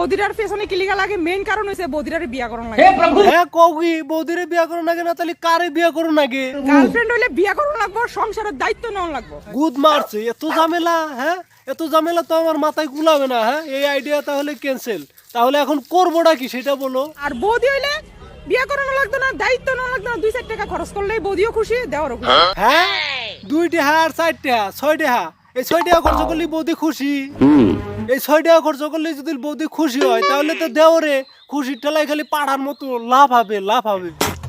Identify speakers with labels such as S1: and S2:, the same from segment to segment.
S1: বৌদিরার পেছনে কি লিগা লাগে মেইন কারণ হইছে বৌদিরারে বিয়া করন লাগে।
S2: হ্যাঁ কওগি বৌদিরে বিয়া করুন নাকি না তাহলে কারে বিয়া করুন নাকি?
S1: গার্লফ্রেন্ড হইলে বিয়া করন লাগবো, সংসারের দায়িত্ব নেওয়া লাগবো।
S2: গুদ মারছে এত ঝামেলা, হ্যাঁ এত ঝামেলা তো আমার মাথায় গুলাবে না। হ্যাঁ এই আইডিয়া তাহলে ক্যান্সেল। তাহলে এখন করবোটা কি সেটা বলো।
S1: আর বৌদি হইলে বিয়া করানো লাগতো না, দায়িত্ব নেওয়া লাগতো না, 2-4 টাকা খরচ করলেই বৌদিও খুশি, দেওয়ারও খুশি।
S2: হ্যাঁ 2 টাকা আর 4 টাকা 6 টাকা, এই 6 টাকা খরচ করলে বৌদি খুশি। এই 6 টাকা খরচ করলে যদি বৌদি খুশি হয় তাহলে তো দেওরে খুশির ঠেলায় খালি পাড়ার মতো লাভ হবে, লাভ হবে।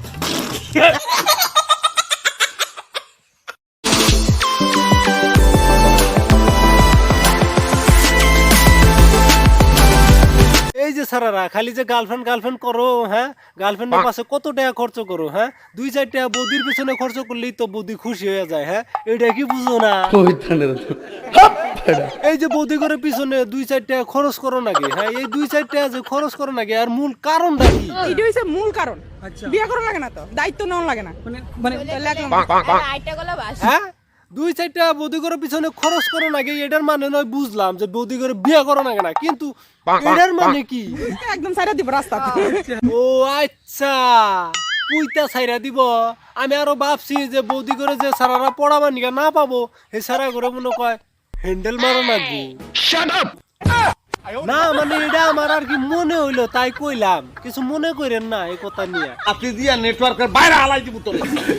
S2: এই যে সারারা খালি যে গার্লফ্রেন্ড গার্লফ্রেন্ড করো, হ্যাঁ গার্লফ্রেন্ডের পাশে কত টাকা খরচ করো, হ্যাঁ 2-4 টাকা বৌদির পিছনে খরচ করলেই তো বৌদি খুশি হয়ে যায়। হ্যাঁ এটা কি বুঝো না? এই যে বৌদি করে পিছনে 2-4 টাকা খরচ করো নাকি, হ্যাঁ এই 2-4 টাকা যে খরচ করো নাকি আর মূল কারণটা কি?
S1: এটা হইছে মূল কারণ। বিয়া করা লাগে না তো, দায়িত্ব নেওয়া লাগে না, মানে
S2: হ্যাঁ 2-4 টাকা বৌদি করে পিছনে খরচ করো নাকি এটার মানে নয় বুঝলাম যে বৌদি করে বিয়ে করো নাকি না, কিন্তু এটার মানে কি?
S1: একদম সাইরা দিব রাস্তা।
S2: ও আচ্ছা পুইতা ছাইরা দিব। আমি আরো ভাবছি যে বৌদি করে যে সারারা পড়াবার নিকা না পাবো সেই সারা করে মনে কয় হ্যান্ডেল মারো নাকি। না মানে এটা আমার আর কি মনে হইলো তাই কইলাম, কিছু মনে করেন না এই কথা নিয়ে।
S3: আপনি দিয়া নেটওয়ার্কের বাইরে আলাই দিব তোরে।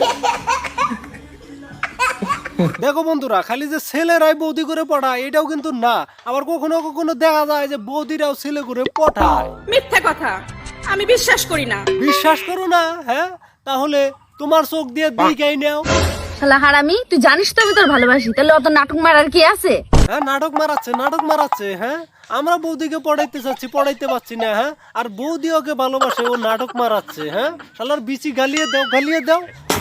S2: দেখো বন্ধুরা খালি যে ছেলেরাই বৌদি করে পড়ায় এটাও কিন্তু না, আবার কখনো কখনো দেখা যায় যে বৌদিরাও ছেলে করে পড়ায়।
S1: মিথ্যা কথা, আমি বিশ্বাস করি না।
S2: বিশ্বাস করো না? হ্যাঁ তাহলে তোমার চোখ দিয়ে দেখাই নাও।
S4: শালা হারামি, তুই জানিস তো আমি তোর ভালোবাসি, তাহলে অত নাটক মারার কি আছে?
S2: হ্যাঁ নাটক মারাচ্ছে, নাটক মারাচ্ছে। হ্যাঁ আমরা বৌদিকে পড়াইতে চাচ্ছি, পড়াইতে পারছি না। হ্যাঁ আর বৌদি ওকে ভালোবাসে, ও নাটক মারাচ্ছে। হ্যাঁ শালার বিচি গালিয়ে দাও, গালিয়ে দাও।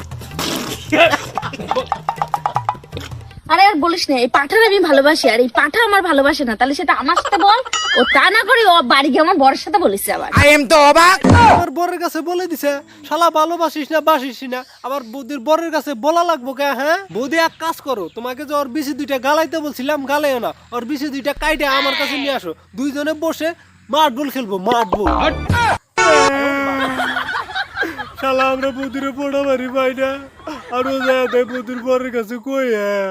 S4: আরে আর বলিস না, এই পাঠার আমি ভালোবাসি আর এই পাঠা আমার ভালোবাসে না, তাহলে সেটা আমার সাথে বল। ও তা না করে ও বাড়ি গিয়ে আমার বরের সাথে বলিস আবার।
S2: আমার বরের কাছে বলে দিছে শালা ভালোবাসিস না বাসিস না, আবার বৌদির বরের কাছে বলা লাগবো কে? হ্যাঁ বৌদি এক কাজ করো, তোমাকে যে ওর বিচি 2টা গালাইতে বলছিলাম গালাইও না, ওর বিচি 2টা কাইটে আমার কাছে নিয়ে আসো, 2 জনে বসে মার্বল খেলবো, মার্বল। শালা আমরা বৌদিরে পড়া মারি পাই না, আর ও যায় তাই বৌদির বরের কাছে কই।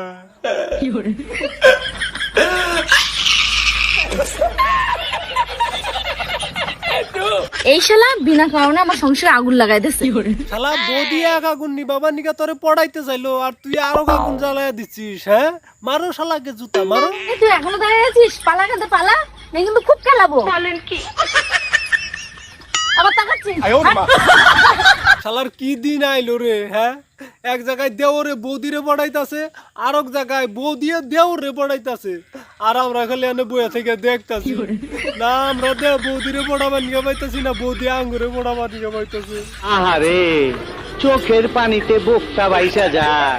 S4: এই শালা বিনা কারণে আমার সংসারে আগুন লাগাই দিচ্ছে।
S2: শালা বৌদি এক আগুন নি বাবা নিকা তোরে পড়াইতে চাইলো আর তুই আরো আগুন জ্বালায় দিচ্ছিস। হ্যাঁ মারো শালাকে, জুতা মারো।
S4: এই তুই এখনো দাঁড়িয়ে আছিস? পালা কাঁদে পালা, না কিন্তু খুব খেলাবো। বলেন কি? আবার তাকাচ্ছিস?
S2: শালার কি দিন আইলো রে। হ্যাঁ এক জায়গায় দেওরে বৌদিরে পড়াইতাছে, আর এক জায়গায় বৌদিয়ে দেওরে পড়াইতাছে, আর আমরা খালি এনে বইয়া থেকে দেখতাছি। না আমরা বৌদিরে পড়াবার নিয়ে পাইতাছি না, বৌদি আঙ্গুরে পড়াবার নিয়ে পাইতাছে।
S5: আহারে চোখের পানিতে বোকটা বাইসা যায়।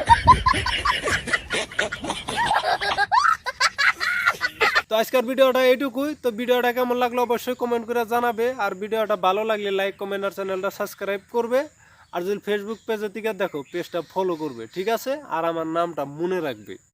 S2: তো আজকের ভিডিওটা এইটুকুই। তো ভিডিওটা কেমন লাগলো অবশ্যই কমেন্ট করে জানাবে, আর ভিডিওটা ভালো লাগলে লাইক কমেন্ট আর চ্যানেলটা সাবস্ক্রাইব করবে, আর যদি ফেসবুক পেজের থেকে দেখো পেজটা ফলো করবে, ঠিক আছে? আর আমার নামটা মনে রাখবে।